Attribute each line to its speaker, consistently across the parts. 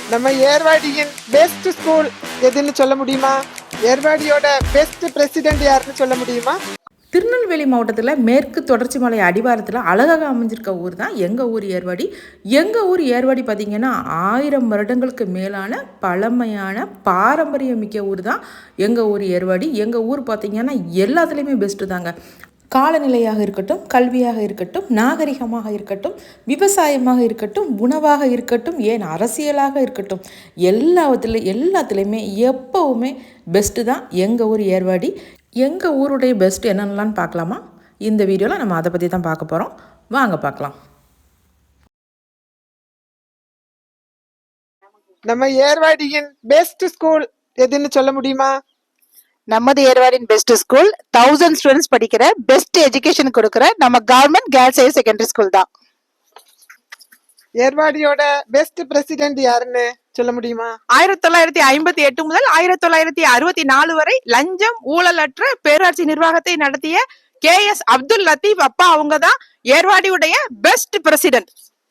Speaker 1: நம்ம ஏர்வாடியின் best school எதுன்னு சொல்ல முடியுமா? ஏர்வாடியோட பெஸ்ட் பிரசிடென்ட் யாருன்னு சொல்ல முடியுமா?
Speaker 2: திருநெல்வேலி மாவட்டத்தில் மேற்கு தொடர்ச்சி மலை அடிவாரத்தில் அழகாக அமைஞ்சிருக்க ஊர் தான் எங்கள் ஊர் ஏர்வாடி. எங்கள் ஊர் ஏர்வாடி பார்த்திங்கன்னா 1000 வருடங்களுக்கு மேலான பழமையான பாரம்பரியமிக்க ஊர் தான் எங்கள் ஊர் ஏர்வாடி. எங்கள் ஊர் பார்த்திங்கன்னா எல்லாத்துலேயுமே பெஸ்ட்டு தாங்க. காலநிலையாக இருக்கட்டும், கல்வியாக இருக்கட்டும், நாகரிகமாக இருக்கட்டும், விவசாயமாக இருக்கட்டும், உணவாக இருக்கட்டும், ஏன் அரசியலாக இருக்கட்டும், எல்லாத்துலேயுமே எப்போவுமே பெஸ்ட்டு தான் எங்கள் ஊர் ஏர்வாடி. எங்கள் ஊருடைய பெஸ்ட் என்னென்னலான்னு பார்க்கலாமா? இந்த வீடியோவில் நம்ம அதை பற்றி தான் பார்க்க போகிறோம். வாங்க பார்க்கலாம்.
Speaker 1: நம்ம ஏர்வாடியின் பெஸ்ட் ஸ்கூல் எதுன்னு சொல்ல முடியுமா?
Speaker 3: நமது ஏர்வாடியின் பெஸ்ட் ஸ்கூல் 1000 ஸ்டூடெண்ட்ஸ் படிக்கிற பெஸ்ட் எஜுகேஷன் கொடுக்கிற நம்ம government girls higher secondary school தான்.
Speaker 1: ஏர்வாடியோட பெஸ்ட் பிரசிடென்ட் யாருன்னு சொல்ல முடியுமா?
Speaker 4: 1958 முதல் 1964 வரை லஞ்சம் ஊழலற்ற பேராட்சி நிர்வாகத்தை நடத்திய KS அப்துல் லத்தீப் அப்பா அவங்க தான் ஏர்வாடியுடைய பெஸ்ட் பிரசிடென்ட்.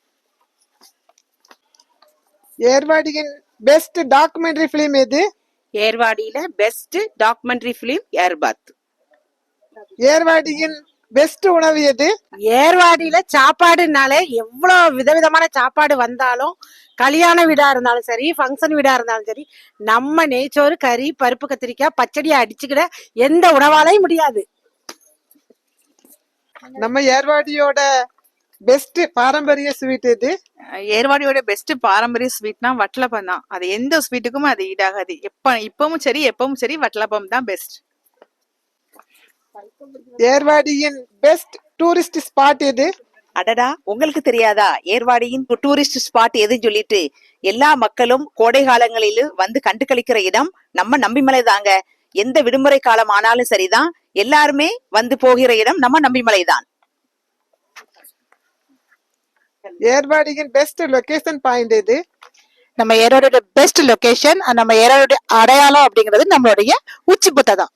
Speaker 1: ஏர்வாடியின் பெஸ்ட் டாக்குமெண்ட்ரி பிலிம் எது?
Speaker 4: ஏர்வாடியில பெஸ்ட் டாக்குமெண்ட்ரி பிலிம் ஏர்பாத்.
Speaker 1: ஏர்வாடியின் பெஸ்ட் உணவு எது?
Speaker 3: ஏர்வாடியில சாப்பாடுனாலே எவ்வளவு விதவிதமான சாப்பாடு வந்தாலும், கல்யாண வீடா இருந்தாலும் சரி, ஃபங்க்ஷன் வீடா இருந்தாலும் சரி, நம்ம நெய்ச்சோறு, கறி, பருப்பு, கத்திரிக்காய், பச்சடியை அடிச்சுக்கிட எந்த உணவாலையும் முடியாது.
Speaker 1: நம்ம ஏர்வாடியோட பெஸ்ட் பாரம்பரிய ஸ்வீட் எது?
Speaker 4: ஏர்வாடியோட பெஸ்ட் பாரம்பரிய ஸ்வீட்னா வட்டலப்பம் தான். அது எந்த ஸ்வீட்டுக்கும் அது ஈடாகாது. இப்பவும் சரி வட்டலப்பம் தான் பெஸ்ட்.
Speaker 1: ஏர்வாடியின் பெஸ்ட் டூரிஸ்ட் ஸ்பாட் எது?
Speaker 5: அடடா, உங்களுக்கு தெரியாதா ஏர்வாடியின் டூரிஸ்ட் ஸ்பாட் எதுன்னு சொல்லிட்டு? எல்லா மக்களும் கோடை காலங்களிலும் வந்து கண்டு கழிக்கிற இடம் நம்ம நம்பிமலை தாங்க. எந்த விடுமுறை காலம் ஆனாலும் சரிதான், எல்லாருமே வந்து போகிற இடம் நம்ம நம்பிமலை தான்.
Speaker 1: ஏர்வாடியின் பெஸ்ட் லொகேஷன் பாயிண்ட் எது?
Speaker 3: நம்ம ஏர்வாடியோட பெஸ்ட் லொகேஷன், நம்ம ஏர்வாடியோட அடையாளம் அப்படிங்கிறது நம்மளுடைய உச்சிபுத்தை தான்.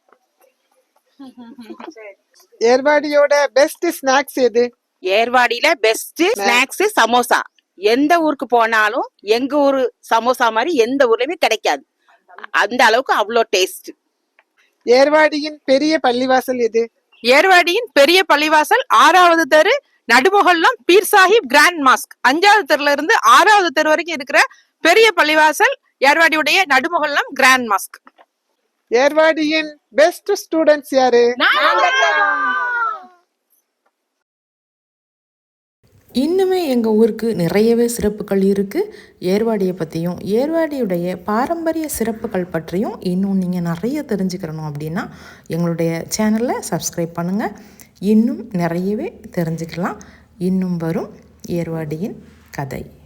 Speaker 1: ஏர்வாடியோட பெஸ்ட் ஸ்நாக்ஸ் எது?
Speaker 4: ஏர்வாடியில பெஸ்ட் ஸ்நாக்ஸ் சமோசா. எந்த ஊருக்கு போனாலும் எங்க ஊரு சமோசா மாதிரி எந்த ஊர்லயுமே கிடைக்காது. அந்த அளவுக்கு அவ்வளோ டேஸ்ட்.
Speaker 1: ஏர்வாடியின் பெரிய பள்ளிவாசல் எது?
Speaker 4: ஏர்வாடியின் பெரிய பள்ளிவாசல் 6வது தெரு, நடுமுகல்லம் பீர் சாஹிப் கிராண்ட் மாஸ்க். 5வது தெருல இருந்து 6வது தெரு வரைக்கும் இருக்கிற பெரிய பள்ளிவாசல் ஏர்வாடியுடைய நடுமுகல்லம் கிராண்ட் மாஸ்க்.
Speaker 1: ஏர்வாடியின் பெஸ்ட் ஸ்டூடெண்ட்ஸ் யாரு?
Speaker 2: இன்னுமே எங்கள் ஊருக்கு நிறையவே சிறப்புகள் இருக்குது. ஏர்வாடியை பற்றியும் ஏர்வாடியுடைய பாரம்பரிய சிறப்புகள் பற்றியும் இன்னும் நீங்கள் நிறைய தெரிஞ்சுக்கிறணும் அப்படின்னா எங்களுடைய சேனலை சப்ஸ்கிரைப் பண்ணுங்கள். இன்னும் நிறையவே தெரிஞ்சுக்கலாம். இன்னும் வரும் ஏர்வாடியின் கதை.